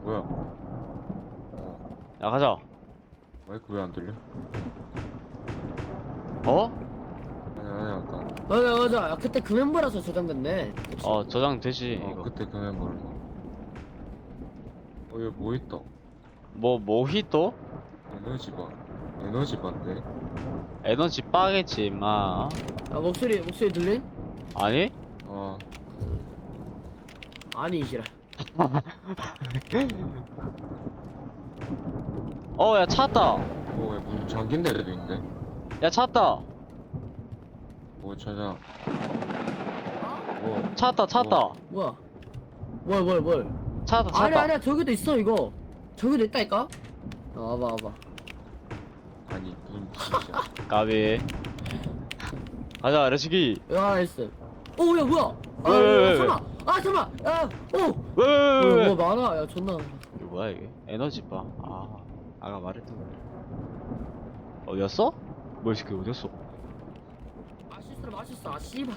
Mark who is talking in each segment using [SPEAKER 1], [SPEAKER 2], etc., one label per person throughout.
[SPEAKER 1] 뭐야?
[SPEAKER 2] 야 가자.
[SPEAKER 1] 마이크 왜 안 들려?
[SPEAKER 2] 어?
[SPEAKER 1] 아니 아까.
[SPEAKER 3] 맞아. 야, 그때 그 멤버라서 저장됐네. 그치?
[SPEAKER 2] 저장되지 이거.
[SPEAKER 1] 그때 그 멤버라서. 여기 뭐 있다?
[SPEAKER 2] 뭐 모히또?
[SPEAKER 1] 에너지바. 에너지바인데?
[SPEAKER 2] 에너지 빠겠지 임마.
[SPEAKER 3] 야, 목소리 들린?
[SPEAKER 2] 아니?
[SPEAKER 1] 아
[SPEAKER 3] 아니 이시라.
[SPEAKER 2] 야 찾았다.
[SPEAKER 1] 왜 무슨 잠긴 데도 있는데?
[SPEAKER 2] 야 찾았다.
[SPEAKER 1] 뭐 찾아? 뭐
[SPEAKER 2] 찾았다.
[SPEAKER 3] 뭐야? 뭘?
[SPEAKER 2] 찾았다.
[SPEAKER 3] 아니야 저기도 있어 이거. 저기도 있다니까? 와봐.
[SPEAKER 1] 아니 무슨 짓이야?
[SPEAKER 2] 까비. 가자 레츠기.
[SPEAKER 3] 야 있어. 오 야 뭐야?
[SPEAKER 2] 왜?
[SPEAKER 3] 잠깐만. 야 오.
[SPEAKER 2] 왜?
[SPEAKER 3] 뭐 많아. 야 존나.
[SPEAKER 2] 이거 뭐야 이게? 에너지 바. 아까 말했던 거. 어디였어? 뭐 이 새끼 어디였어?
[SPEAKER 3] 맛있어. 아 씨발.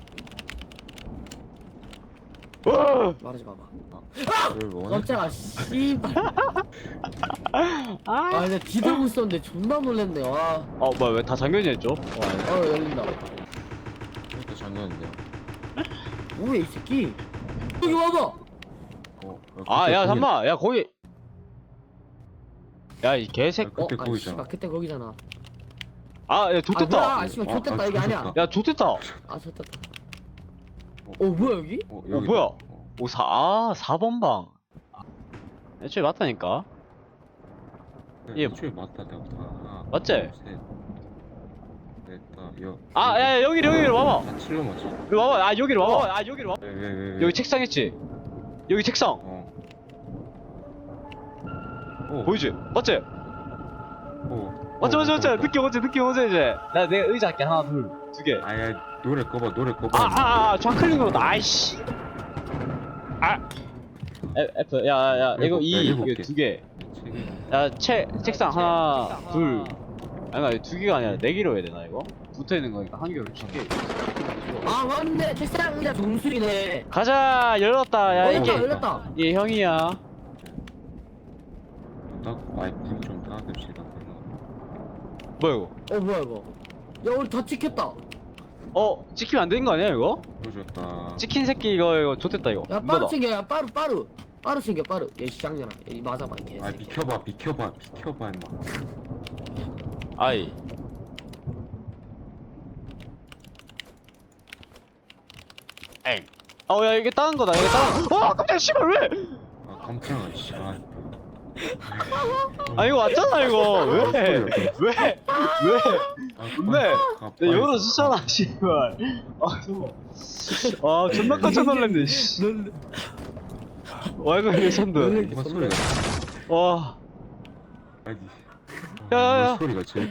[SPEAKER 3] 말하지 마봐.
[SPEAKER 1] 왜 원해?
[SPEAKER 3] 깜짝아 씨발. 아 근데 뒤돌고 있었는데 존나 놀랬네. 와.
[SPEAKER 2] 뭐야 왜 다 잠겨져 있죠?
[SPEAKER 3] 열린다.
[SPEAKER 1] 이렇게 잠겼는데요?
[SPEAKER 3] 뭐야 이 새끼. 여기 와봐.
[SPEAKER 2] 야 잠만. 야 거기. 야 이 개새끼.
[SPEAKER 1] 그때
[SPEAKER 3] 아니
[SPEAKER 1] 거기잖아.
[SPEAKER 3] 씨발 그때 거기잖아.
[SPEAKER 2] 야 좋댔다.
[SPEAKER 3] 아 씨발 좋댔다 이게 아니야.
[SPEAKER 2] 야 좋댔다.
[SPEAKER 3] 아 좋댔다. 뭐야 여기?
[SPEAKER 1] 여기
[SPEAKER 2] 뭐야? 4번 방. 애초에 맞다니까. 얘
[SPEAKER 1] 애초에 맞다 내가 다.
[SPEAKER 2] 맞지?
[SPEAKER 1] 넷다
[SPEAKER 2] 여기로 와봐.
[SPEAKER 1] 다 칠로 맞지?
[SPEAKER 2] 여기 와봐. 여기로 와봐. 여기로 와봐.
[SPEAKER 1] 왜?
[SPEAKER 2] 여기 책상 있지? 여기 책상. 보이지? 맞지? 맞지? 느낌 오지 이제. 내가 의자 할게. 하나, 둘, 두 개.
[SPEAKER 1] 아야 노래 꺼봐.
[SPEAKER 2] 좌클릭으로 아이씨. F. 야, 이거 2,
[SPEAKER 1] 일곱
[SPEAKER 2] 이거
[SPEAKER 1] 개.
[SPEAKER 2] 두 개. 야, 책상 하나, 둘. 아니, 두 개가 아니라 네 개로 해야 되나, 이거? 붙어 있는 거니까 한 개로 칠게.
[SPEAKER 3] 아 맞네 책상 의자 종술이네.
[SPEAKER 2] 가자, 열렸다. 야,
[SPEAKER 3] 열렸다.
[SPEAKER 2] 얘 형이야.
[SPEAKER 1] 문좀 닫읍시다.
[SPEAKER 2] 뭐야, 이거?
[SPEAKER 3] 뭐야 이거. 야 우리 다 찍혔다.
[SPEAKER 2] 찍히면 안 되는 거 아니야, 이거?
[SPEAKER 1] 보여줬다.
[SPEAKER 2] 찍힌 새끼 이거 좋댔다, 이거.
[SPEAKER 3] 야
[SPEAKER 2] 뭐다?
[SPEAKER 3] 빠루 챙겨. 야 빠루 챙겨 빠루. 얘 시장년아. 얘 맞아봐 이 개새끼.
[SPEAKER 1] 비켜봐 임마.
[SPEAKER 2] 아이. 에이. 야, 이게 다른 거다, 이게 다른 거. 깜짝이야, 씨발, 왜?
[SPEAKER 1] 깜짝아 씨발.
[SPEAKER 2] 이거 왔잖아, 이거. 왜? 내 열어주잖아, 씨발. 존나 깜짝 놀랐네, 씨. 이거 레전드.
[SPEAKER 1] 무슨 소리가?
[SPEAKER 2] 와.
[SPEAKER 1] 아니.
[SPEAKER 2] 야.
[SPEAKER 1] 무슨 소리가 제일.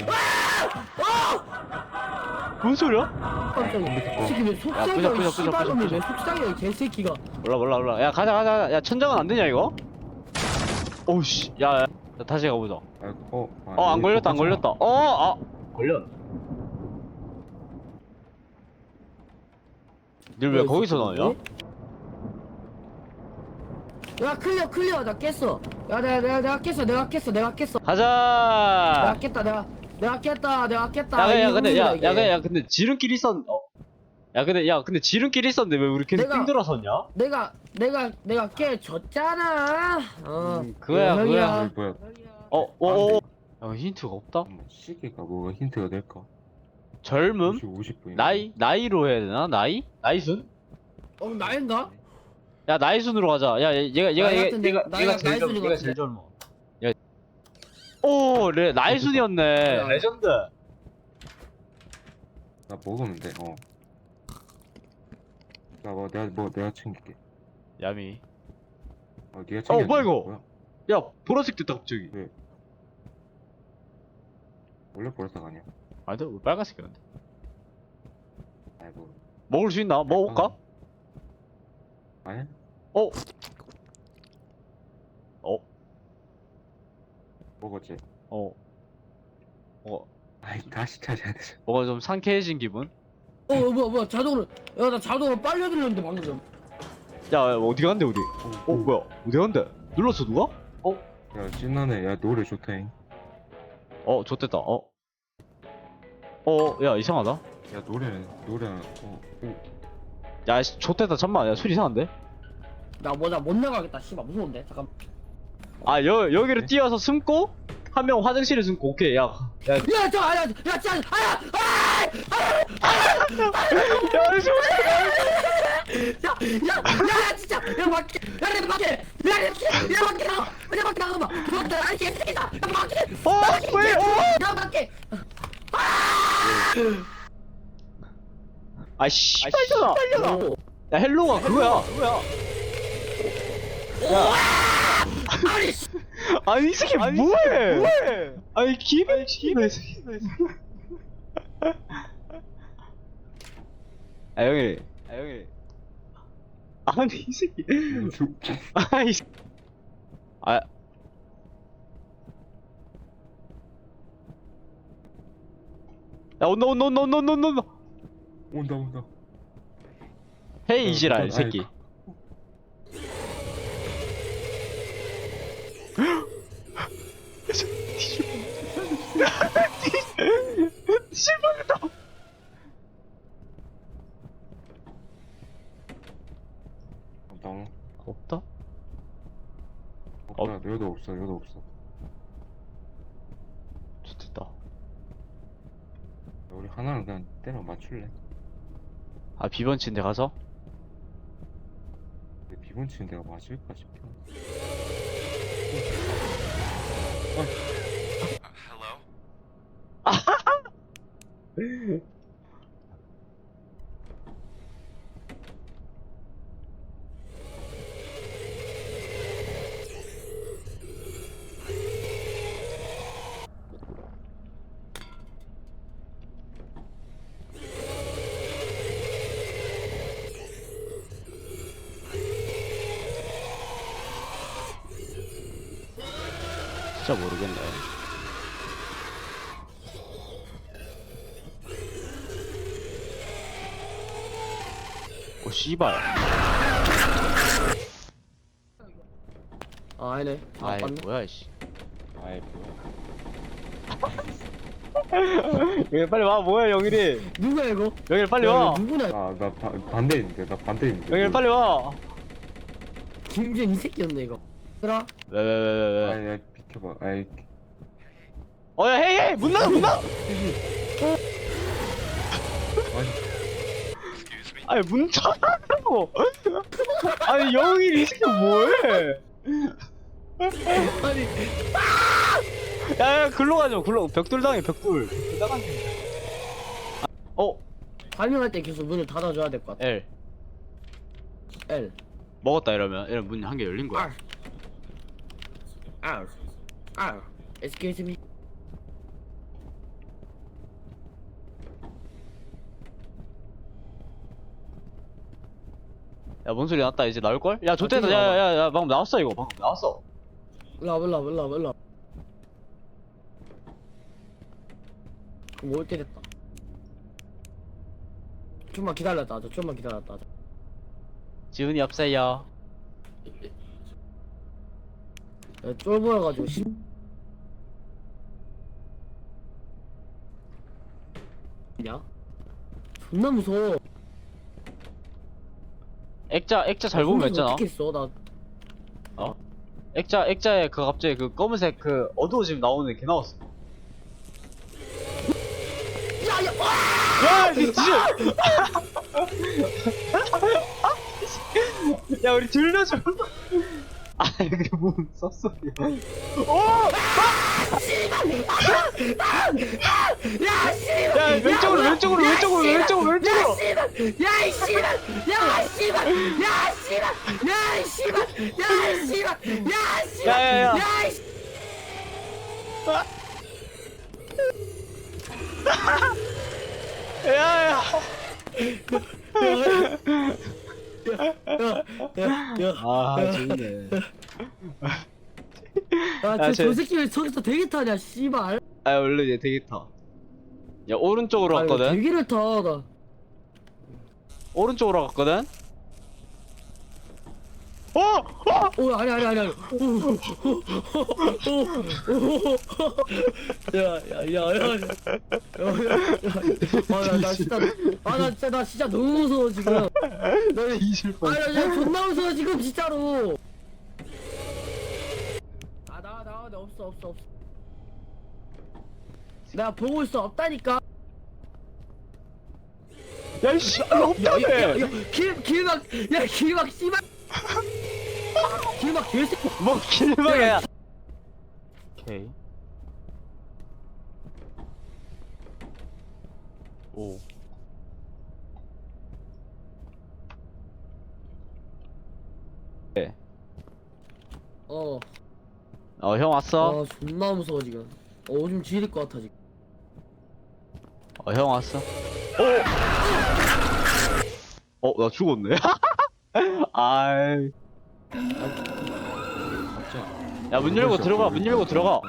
[SPEAKER 2] 뭔 소리야?
[SPEAKER 3] 깜짝이야. 이 새끼 왜
[SPEAKER 2] 끄자.
[SPEAKER 3] 속상해? 씨발놈이 왜 속상해 이 개새끼가.
[SPEAKER 2] 몰라. 야, 가자. 야, 천장은 안 되냐, 이거? 오우씨. 야, 다시 가보자. 안 걸렸다. 걸렸. 늘 왜 거기서 나오냐?
[SPEAKER 3] 야 클리어 나 깼어. 야 내가 깼어.
[SPEAKER 2] 가자.
[SPEAKER 3] 내가 깼다.
[SPEAKER 2] 야, 근데 지름길이 근데 지름길이 있었는데 왜 우리 계속
[SPEAKER 3] 내가-
[SPEAKER 2] 띵들어섰냐?
[SPEAKER 3] 내가 깨줬잖아.
[SPEAKER 2] 그거야.
[SPEAKER 1] 뭐야?
[SPEAKER 2] 야, 힌트가 없다?
[SPEAKER 1] 시계가 뭐가 힌트가 될까?
[SPEAKER 2] 젊음?
[SPEAKER 1] 50분.
[SPEAKER 2] 나이로 해야 되나? 나이순?
[SPEAKER 3] 나인가?
[SPEAKER 2] 야, 나이순으로 가자. 야, 얘가
[SPEAKER 3] 나이가
[SPEAKER 2] 제일 젊어.
[SPEAKER 3] 나이순인 것
[SPEAKER 2] 얘가
[SPEAKER 3] 같은데?
[SPEAKER 2] 제일 젊어. 야. 나이순이었네.
[SPEAKER 3] 야.
[SPEAKER 2] 레전드.
[SPEAKER 1] 나 먹으면 돼. 내가 챙길게.
[SPEAKER 2] 야미.
[SPEAKER 1] 네가 챙겨.
[SPEAKER 2] 뭐야, 이거? 야, 보라색 됐다 갑자기.
[SPEAKER 1] 원래 보라색 아니야?
[SPEAKER 2] 아니다, 왜 빨간색이었는데?
[SPEAKER 1] 아이고.
[SPEAKER 2] 먹을 수 있나? 먹을까?
[SPEAKER 1] 아니야? 먹었지. 아이 다시 찾아야 돼.
[SPEAKER 2] 뭔가 좀 상쾌해진 기분?
[SPEAKER 3] 뭐야 자동으로. 야 나 자동으로 빨려 들렸는데 방금.
[SPEAKER 2] 야, 어디 간대, 우리? 뭐야? 어디 간대? 눌렀어 누가?
[SPEAKER 1] 야 신나네. 야 노래 좋다잉.
[SPEAKER 2] 좋댔다. 야 이상하다.
[SPEAKER 1] 야 노래
[SPEAKER 2] 야 좋댔다. 잠깐만. 야 소리 이상한데?
[SPEAKER 3] 나 뭐냐 못 나가겠다 씨발 무서운데 잠깐.
[SPEAKER 2] 여기를 뛰어서 숨고 한 명 화장실에 숨고. 오케이. 야
[SPEAKER 3] 야저 아야 야 진짜 아야 야 진짜 야 밖에 야내 밖에 야 밖에 나가봐 아니 개새끼다 야 밖에
[SPEAKER 2] 왜?
[SPEAKER 3] 야 밖에
[SPEAKER 2] 아씨 빨려라. 야 헬로가 그거야.
[SPEAKER 3] 아니 씨
[SPEAKER 2] 아니 이 새끼 뭐해? 아니 기분 형이 아니 이 새끼 아이 야 온다
[SPEAKER 1] 온다.
[SPEAKER 2] 헤이 이지랄 이 새끼. 뒤집어졌다.
[SPEAKER 1] 나
[SPEAKER 2] 없다?
[SPEAKER 1] 없다. 여도 없어.
[SPEAKER 2] 좋겠다.
[SPEAKER 1] 야, 우리 하나는 그냥 때려 맞출래?
[SPEAKER 2] 비번치인데 가서?
[SPEAKER 1] 근데 비번 치는 데가 맞을까 싶어.
[SPEAKER 2] 진짜 모르겠네. 씨발.
[SPEAKER 3] 아니네
[SPEAKER 2] 아이 뭐야 이씨.
[SPEAKER 1] 아이 뭐야.
[SPEAKER 2] 여기 빨리 와. 뭐야 영일이.
[SPEAKER 3] 누구야 이거
[SPEAKER 2] 영일 빨리
[SPEAKER 3] 야,
[SPEAKER 2] 와.
[SPEAKER 3] 이거 누구냐
[SPEAKER 1] 나 반대인데.
[SPEAKER 2] 영일 빨리 와.
[SPEAKER 3] 김준 이 새끼였네 이거 얘들아
[SPEAKER 2] 왜?
[SPEAKER 1] 아이 비켜봐. 아이
[SPEAKER 2] 야 헤이 문 닫아. 아니 문 닫으라고. 아니 영일이 이 새끼 뭐해?
[SPEAKER 3] 아니
[SPEAKER 2] 야 글로 가자. 벽돌 당해 벽돌 나가네.
[SPEAKER 3] 발명할 때 계속 문을 닫아줘야 될 것 같아
[SPEAKER 2] L
[SPEAKER 3] L
[SPEAKER 2] 먹었다. 이러면 문 한 개 열린 거야.
[SPEAKER 3] R Excuse me
[SPEAKER 2] 야 뭔 소리 났다. 이제 나올걸? 야 좋댔다. 야야야 방금 나왔어. 이거 방금 나왔어.
[SPEAKER 3] 일로 와 그럼 올 때 됐다 좀만 기다렸다 하자
[SPEAKER 2] 지훈이 없어요.
[SPEAKER 3] 야, 쫄 보여가지고 냐 존나 무서워
[SPEAKER 2] 액자 잘 보면 있잖아.
[SPEAKER 3] 어떻게 했어 나
[SPEAKER 2] 액자에 그 갑자기 그 검은색 그 어두워지면 나오는 게 나왔어.
[SPEAKER 3] 야야
[SPEAKER 2] 야 미친. 야 우리 들려줘. 이게 뭔 쌉소리야.
[SPEAKER 3] 야 씨발
[SPEAKER 2] 야 왼쪽으로.
[SPEAKER 3] 야 씨발 야이 씨발
[SPEAKER 2] 야야야.
[SPEAKER 3] 야이
[SPEAKER 2] 야야. 재밌네.
[SPEAKER 3] 저 새끼 왜 저기서 대기 타냐 씨발
[SPEAKER 2] 원래 얘 되게 타. 야 오른쪽으로 갔거든.
[SPEAKER 3] 대기를 타나
[SPEAKER 2] 오른쪽으로 갔거든.
[SPEAKER 3] 오 아니 야야야야야야야나 진짜 너무 무서워 지금
[SPEAKER 2] 뒤질 뻔.
[SPEAKER 3] 나 존나 무서워 지금 진짜로 나 없어 내가 보고 있어 없다니까
[SPEAKER 2] 야, 이씨, 없다며!
[SPEAKER 3] 길막 씨발 길막 개새끼
[SPEAKER 2] 뭐, 길막이야! 오케이. 오. 네. 형 왔어?
[SPEAKER 3] 존나 무서워 지금 오줌 지릴 것 같아 지금
[SPEAKER 2] 형 왔어? 나 죽었네. 아이. 야, 문 열고 들어가, 문 열고 들어가.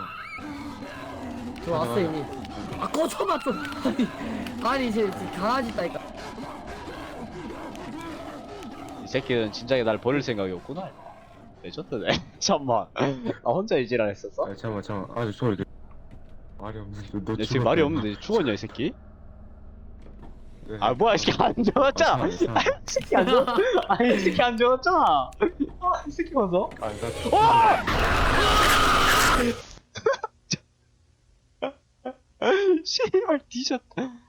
[SPEAKER 3] 들어왔어 이미 꺼져봐 좀 아니 이제 강아지 있다니까
[SPEAKER 2] 이 새끼는 진작에 날 버릴 생각이 없구나. 레전드네. 잠만. 나 혼자 이지랄 했었어?
[SPEAKER 1] 아 잠깐만 아 sorry 말이 없는데 너
[SPEAKER 2] 야, 지금 말이 없는데 죽었냐, 이 새끼? 아, 뭐야, 이 새끼 안 죽었잖아! 이 새끼 안 죽었, 아니, 이 새끼 안 죽었잖아! 이 새끼 봐서? 씨발, 뒤졌다.